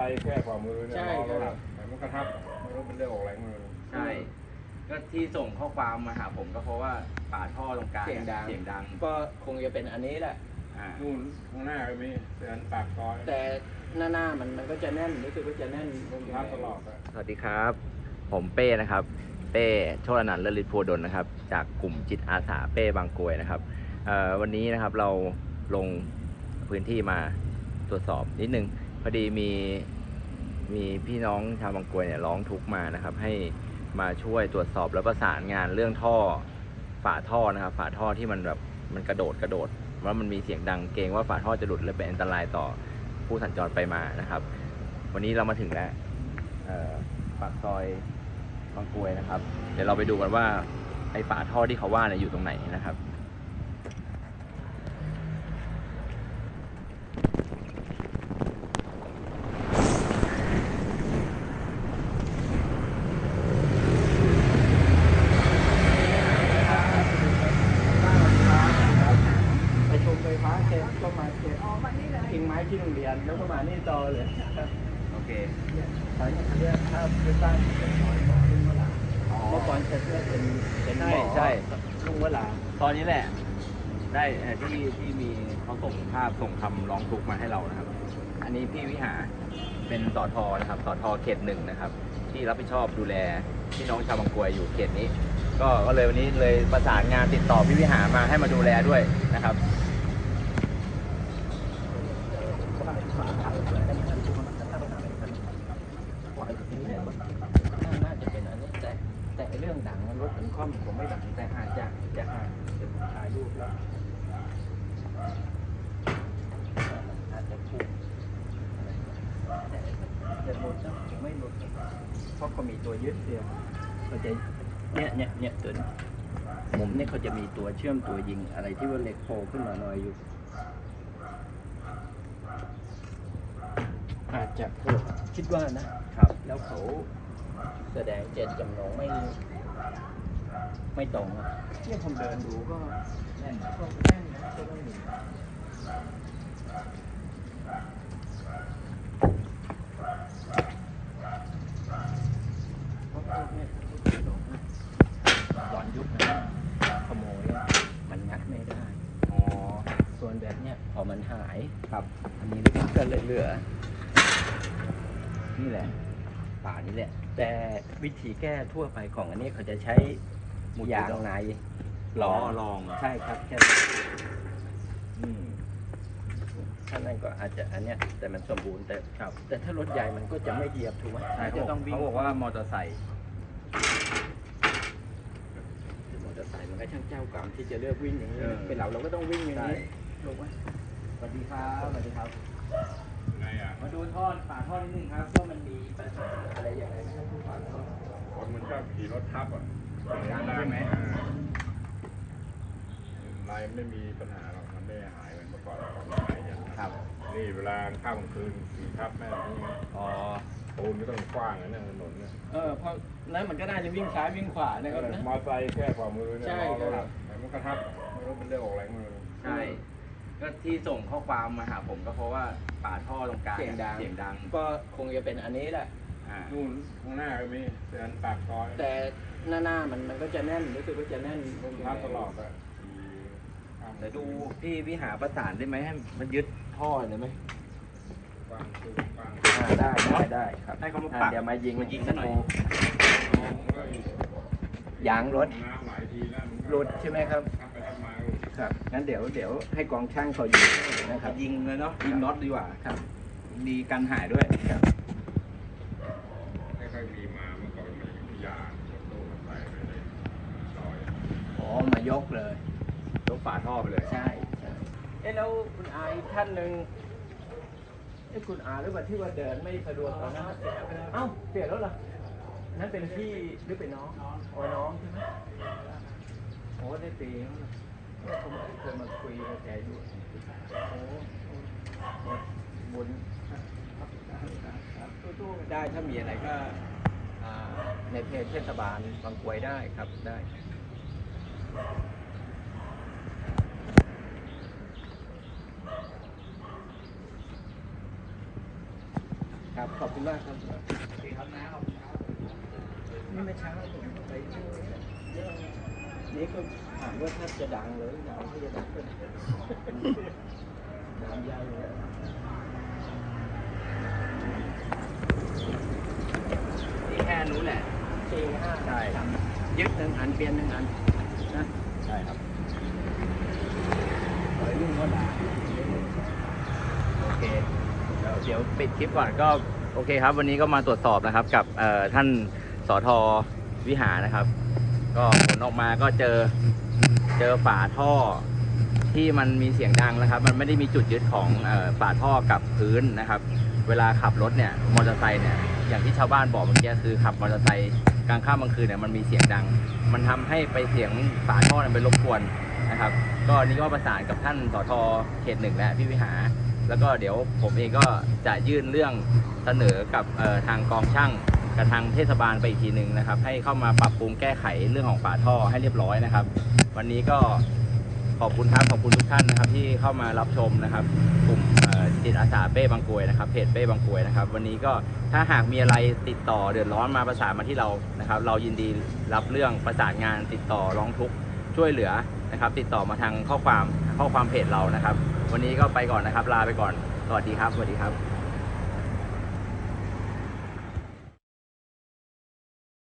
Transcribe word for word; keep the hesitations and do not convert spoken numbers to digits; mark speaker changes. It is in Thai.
Speaker 1: แค่ฝ่ามือเนี่ยล้อรถแต่มันกระทับมันก็เป็นเรื่องออกแรงมือ
Speaker 2: ใช่ก็ที่ส่งข้อความมาหาผมก็เพราะว่าฝาท่อตรงกลาง
Speaker 3: เสียงดัง
Speaker 2: เสียงดัง
Speaker 3: ก็คงจะเป็นอันนี้แหละ
Speaker 2: อ่า
Speaker 1: นู่นข้างหน้าก็มีเตือนปากซอย
Speaker 3: แต่หน้าหน้ามันมันก็จะแน่นรู้สึกว่าจะแน่นลง
Speaker 1: รับตลอด
Speaker 2: สวัสดีครับ ผมเป้นะครับ เป้โชติอนันต์เลิศฤทธิ์โพดลนะครับ จากกลุ่มจิตอาสาเป้บางกรวยนะครับวันนี้นะครับเราลงพื้นที่มาตรวจสอบนิดนึงพอดีมีมีพี่น้องชาวบางกรวยเนี่ยร้องทุกข์มานะครับให้มาช่วยตรวจสอบแล้วประสานงานเรื่องท่อฝาท่อนะครับฝาท่อที่มันแบบมันกระโดดกระโดดว่ามันมีเสียงดังเกรงว่าฝาท่อจะหลุดและเป็นอันตรายต่อผู้สัญจรไปมานะครับวันนี้เรามาถึงแล้วปากซอยบางกรวยนะครับเดี๋ยวเราไปดูกันว่าไอ้ฝาท่อที่เขาว่าเนี่ยอยู่ตรงไหนนะครับ
Speaker 3: ไปชมไฟฟ้าเสร็จก็มาเก็บทิ้งไม้ที่โรงเรียนแล้วก็มานี่ต่อเลย
Speaker 2: โอเค
Speaker 3: ตอนนี้เรียกถ้าไปสร้างเป็นหอยของลุงวลาเมื่อก่อนจะเรียกเป็นเป็นหมอใช่ลุงวลา
Speaker 2: ตอนนี้แหละได้ที่ที่มีเขาส่งภาพส่งคำร้องทุกข์มาให้เรานะครับอันนี้พี่วิหาเป็นสทนะครับสทเขตหนึ่งนะครับที่รับผิดชอบดูแลพี่น้องชาวบางกรวยอยู่เขตนี้ก็ก็เลยวันนี้เลยประสานงานติดต่อพี่วิหามาให้มาดูแลด้วยนะครับ
Speaker 3: น่าจะเป็นอันนี้แต่แต่เรื่องดังรถถึงข้อมผมไม่ดังแต่อาจจะจะอาจจะถ่ายรูปแล้วอาจจะพูดแต่จะหมดนะไม่หมดเพราะเขามีตัวยึดเดียวเขาจะเนี่ยเนี่ยเนี่ยตัวมุมเนี่ยเขาจะมีตัวเชื่อมตัวยิงอะไรที่ว่าเหล็กโผล่ขึ้นมาหน่อยอยู่อาจจะคิดว่านะครับแล้วเขาแสดงเจตจำนงไม่ไม่ตรงเนี่ยผมเดินดูก็แน่นก็แน่นนะก็ไม่มีเพราะพวกเนี่ยตอนยุคนั้นขโมยมันงัดไม่ได้อ๋อส่วนแบบเนี้ยพอมันหายครับอันนี้ก็เลยเหลือนี่แหละป่านี้แหละแต่วิธีแก้ทั่วไปของอันนี้เขาจะใช้ยางในล้อรองใช่ครับแค่ถ้านั่นก็อาจจะอันเนี้ยแต่มันสมบูรณ์แต่ครับแต่ถ้ารถใหญ่มันก็จะไม่เหยียบถูกไหม
Speaker 2: ใช่จะต้องวิ่งเขาบอกว่ามอเตอร์ไซค์
Speaker 3: มอเตอร์ไซค์มันก็ช่างเจ้ากรรมที่จะเลือกวิ่งอย่างนี้เป็นเราเราก็ต้องวิ่งอย่างนี้ถูกไหมสวัสดีครับสวัสดีครับมาดูท่อฝาท่อนิดนึงครับว่ามันมีปัญหาอะไรอย่างไรไหมครับฝาท่อ
Speaker 1: คนมันชอบขี่รถทับอ่ะ
Speaker 2: ใช่ไหม
Speaker 1: ลายไม่มีปัญหาหรอกมันไม่หายเหมือนเมื่อก่อนของหายอย่างครับนี่เวลาข้ามคืนขี่ทับแม่นี่
Speaker 2: อ๋อ
Speaker 1: ปูนไม่ต้องกว้างนะเนี่ยถนนเนี่ย
Speaker 3: เออเพราะนั้นมันก็น่าจะวิ่งซ้ายวิ่งขวานะครับนะ
Speaker 1: มอเตอร์ไซค์แค่ฝ่ามือเนี่ยล้อรถแต่มันกระทับมันก็เป็นเรื่องออกแรงมือ
Speaker 2: ใช่ก็ที่ส่งข้อความมาหาผมก็เพราะว่าฝาท่อตรงกลาง
Speaker 3: เสียงดัง
Speaker 2: เสียงดัง
Speaker 3: ก็คงจะเป็นอันนี้แหละ
Speaker 1: นู่นข้างหน้าก็มีเตือนปากซอย
Speaker 3: แต่หน้าหน้ามันมันก็จะแน่นรู้สึกว่าจะแน่น
Speaker 1: รับตลอดอะ
Speaker 2: แต่ดูพี่วิหาประสานได้ไหมให้มันยึดท่อเลยไหม
Speaker 1: กว้างคือกว้าง
Speaker 3: ได้ได้ได้ครับ
Speaker 2: ให้เขามาปัก
Speaker 3: เดี๋ยวมายิง
Speaker 2: มายิงซะหน่อย
Speaker 3: ยางรถรถใช่ไหมครับครับงั้นเดี๋ยวเดี๋ยวให้กองช่างเขายิงนะครับ
Speaker 2: ยิงเลยเนาะยิงน็อตดีกว่าครับดีกันหายด้วยครับ
Speaker 1: ไม่ค่อยมีมาเมื่อก่อนมันมียางรถตู้มาใส่ไปเลยซอย
Speaker 3: อ๋อมายกเลย
Speaker 2: ยกฝาท่อไปเลย
Speaker 3: ใช่ใช่เอ๊ะแล้วคุณอาอีกท่านหนึ่งเอ๊ะคุณอาหรือว่าที่ว่าเดินไม่สะดวกตอนนั้นเอ้าเปลี่ยนแล้วเหรอนั่นเป็นพี่หรือเป็นน้องอ๋อน้องใช่ไหมโอ้ได้ปีแล้วผมเคยมาคุยกับแกอยู่โอ้บุญตู้ๆได้ถ้ามีอะไรก็ในเพจเทศบาลบางกรวยได้ครับได้ครับขอบคุณมากครับนี่เมื่อเช้าผมไปช่วยนี่ก็ถามว่าถ้าจะดังเลยดังที่จะดังขึ้นดังใหญ่เลยนี่แค่นู้นแหละสี่ห้าใช่ครับยึดหนึ่งอันเปลี่ยนหนึ่งอันนะ
Speaker 2: ใช่ครับ
Speaker 3: ปล่อยลูกก็ด่า
Speaker 2: โอเคเดี๋ยวเดี๋ยวปิดคลิปก่อนก็โอเคครับ วันนี้ก็มาตรวจสอบนะครับกับเอ่อท่านสทวิหารนะครับ ก็ผลออกมาก็เจอเจอฝาท่อที่มันมีเสียงดังนะครับ มันไม่ได้มีจุดยึดของเอ่อฝาท่อกับพื้นนะครับ เวลาขับรถเนี่ยมอเตอร์ไซค์เนี่ยอย่างที่ชาวบ้านบอกเมื่อกี้คือขับมอเตอร์ไซค์กลางค่ำกลางคืนเนี่ยมันมีเสียงดัง มันทำให้ไปเสียงฝาท่อเนี่ยไปรบกวนนะครับ ก็นี่ก็ประสานกับท่านสทเขตหนึ่งและพี่วิหาร แล้วก็เดี๋ยวผมเองก็จะยื่นเรื่องเสนอกับทางกองช่างกับทางเทศบาลไปอีกทีหนึ่งนะครับให้เข้ามาปรับปรุงแก้ไขเรื่องของฝาท่อให้เรียบร้อยนะครับ วันนี้ก็ขอบคุณครับขอบคุณทุกท่านนะครับที่เข้ามารับชมนะครับกลุ่มจิตอาสาเป้บางกรวยนะครับเพจเป้บางกรวยนะครับวันนี้ก็ถ้าหากมีอะไรติดต่อเดือดร้อนมาประสานมาที่เรานะครับเรายินดีรับเรื่องประสานงานติดต่อร้องทุกข์ช่วยเหลือนะครับติดต่อมาทางข้อความข้อความเพจเรานะครับวันนี้ก็ไปก่อนนะครับลาไปก่อนสวัสดีครับสวัสดีครับ